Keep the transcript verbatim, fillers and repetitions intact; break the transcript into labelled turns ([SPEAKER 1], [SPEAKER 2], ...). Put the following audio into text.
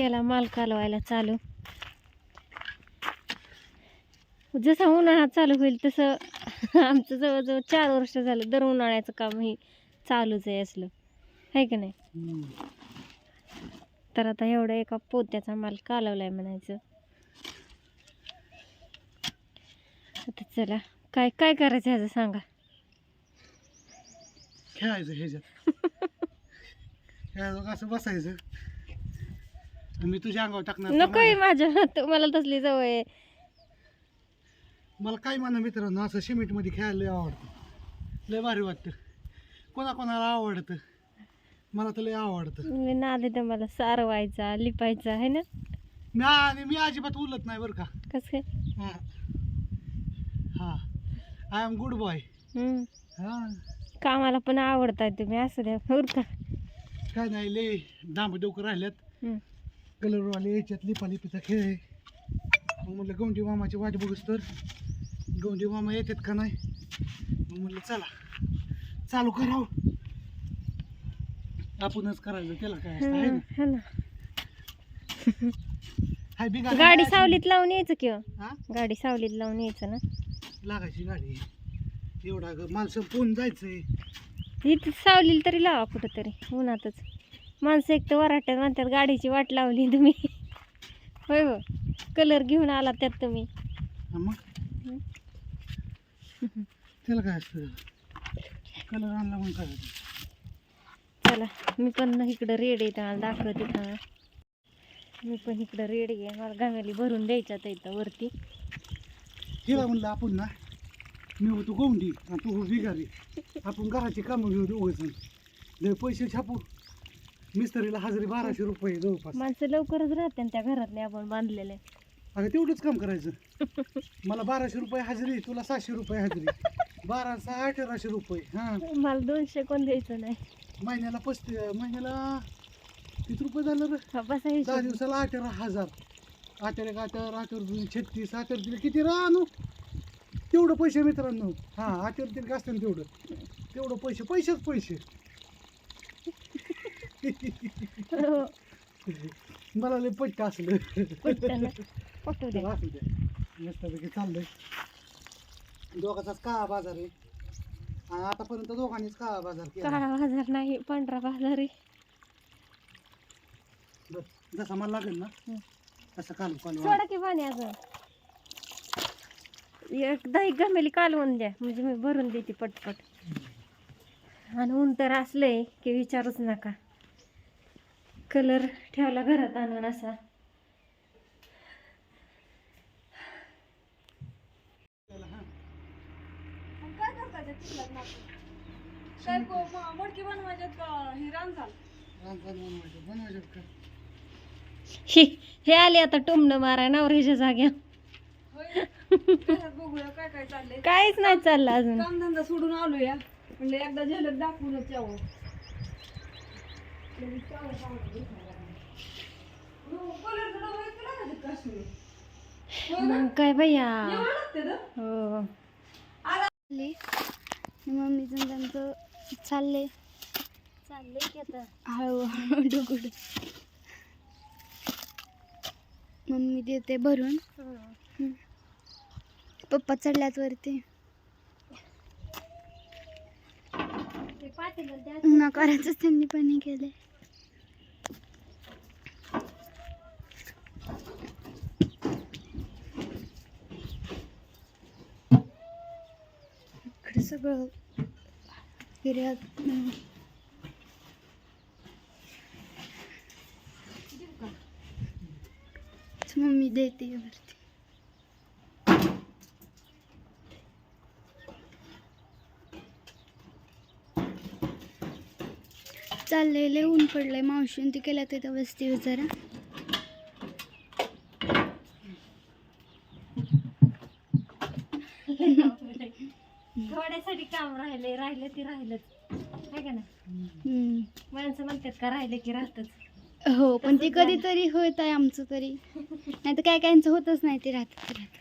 [SPEAKER 1] केला माल कालवायला चालू. जसं उन्हाळा चालू होईल तसं आमचं जवळजवळ चार वर्ष झालं दर उन्हाळ्याचं काम हे चालूच आहे असलं, आहे का नाही. तर आता एवढा एका पोत्याचा माल कालवलाय म्हणायचं. आता चला काय काय करायचं ह्याचं सांगा.
[SPEAKER 2] खेळायचं ह्याच्यात ह्याचं असं बसायचं. मी तुझ्या अंगावर टाकणार.
[SPEAKER 1] नकोय माझ्या, तुम्हाला तसली सवय आहे.
[SPEAKER 2] मला काय म्हणा मित्रांनो, असं सिमेंट मध्ये खेळायला लय आवडतं, लय भारी वाटतं. कोणाकोणाला आवडतं, मला तर लय आवडतं.
[SPEAKER 1] मी नाद येतं मला सारवायचा लिपायचा आहे ना.
[SPEAKER 2] मी आणि मी अजिबात उलत नाही बरं का.
[SPEAKER 1] कसं काय?
[SPEAKER 2] हा हा आय एम गुड बॉय. हा
[SPEAKER 1] कामाला पण आवडताय तुम्ही, असं द्या बरं का.
[SPEAKER 2] काय नाही, लय डांब डोकं राहिल्यात.
[SPEAKER 1] हम्म.
[SPEAKER 2] कलरवाले याच्यात लिपालिपीचा खेळ आहे. मग म्हटलं गौंडी मामाची वाट बघूस तर गौंडी मामा येतात का नाही. मग म्हटलं चला चालू करावं, आपणच करायचं, त्याला काय असतं आहे ना.
[SPEAKER 1] हा ना.
[SPEAKER 2] हाय बिगा
[SPEAKER 1] गाडी सावलीत लावून यायचं किंवा
[SPEAKER 2] हा
[SPEAKER 1] गाडी सावलीत लावून यायचं ना.
[SPEAKER 2] लागायची गाडी, एवढा ग माल संपवून जायचंय.
[SPEAKER 1] इथं सावलीला तरी लावा कुठं तरी उन्हातच. माणसं एक तर वराट्यात म्हणतात गाडीची वाट लावली तुम्ही. होय हो, कलर घेऊन आला त्यात तुम्ही.
[SPEAKER 2] हा मग त्याला काय असतं, कलर आणला म्हणून करायचं.
[SPEAKER 1] चला मी पण इकडं रेड आहे मला दाखवते का. मी पण इकडं रेड आहे, मला गाव्याली भरून द्यायच्यात इथं वरती.
[SPEAKER 2] तिला म्हणलं आपण ना, मी होतो गौंडी आणि तू हो बिगारी, आपण घराची कामं घेऊ दोघं जण, पैसे छापू. मिस्त्रीला हजेरी बाराशे रुपये जवळपास.
[SPEAKER 1] माणसं लवकरच राहते त्या घरातले आपण बांधलेले.
[SPEAKER 2] अगं तेवढंच काम करायचं. मला बाराशे रुपये हजेरी, तुला सहाशे रुपये हजेरी, बारा सहा अठराशे रुपये. हां
[SPEAKER 1] मला दोनशे कोण द्यायचं नाही.
[SPEAKER 2] महिन्याला पस्ती महिन्याला किती रुपये झालं रे.
[SPEAKER 1] बसायचं
[SPEAKER 2] दहा दिवसाला अठरा हजार. अठरा एक अठरा अठरा दोन छत्तीस, अठरा दिले किती रा आणू तेवढं पैसे मित्रांनो. हां अठरा दिले असतं ना तेवढं, तेवढं पैसे पैसेच पैसे. मला लय पट्ट असलं.
[SPEAKER 1] पटू दे.
[SPEAKER 2] असू द्या, मस्तपैकी चाललंय. दोघाचाच काळा बाजार आहे आणि आतापर्यंत दोघांनीच काळा बाजार केला.
[SPEAKER 1] काळा बाजार नाही, पांढरा बाजार आहे.
[SPEAKER 2] बरं जसा मला लागेल ना तसं कालू कालू.
[SPEAKER 1] सोडा की पाणी अजून एकदा एक गमेली कालवून द्या म्हणजे मी भरून देते पटपट. आणि ऊन तर असलंय की विचारूच नका. कलर ठेवला घरात आणून असा. हे हे आले आता टोमणं माराय नवऱ्याच्या जाग्या.
[SPEAKER 3] बघूया काय काय चाललंय.
[SPEAKER 1] काहीच नाही चाललं अजून.
[SPEAKER 3] कामधंदा सोडून आलो या, म्हणजे एकदा झलक दाखवूनच यावं.
[SPEAKER 1] मग काय भैया.
[SPEAKER 3] हो
[SPEAKER 1] मम्मीचं त्यांचं चाललंय चाललंय की आता हळूहळू डुगुड.
[SPEAKER 4] मम्मी देते भरून. पप्पा चढल्यात वरती. उन्हा करायचंच त्यांनी पण हे केलंय. इकडे सगळं हिरव्यात. मम्मी देते वरती. चाललेले ऊन पडलंय. मावशीन ती केल्या तिथं बसते जरा.
[SPEAKER 1] थोड्यासाठी काम राहिले राहिलं ती राहिलंच आहे का ना. माणसं म्हणतात का राहिले की राहतच.
[SPEAKER 4] हो पण ते कधीतरी होत आहे आमचं तरी, नाही तर काय कायचं होतच नाही ते राहत राहत.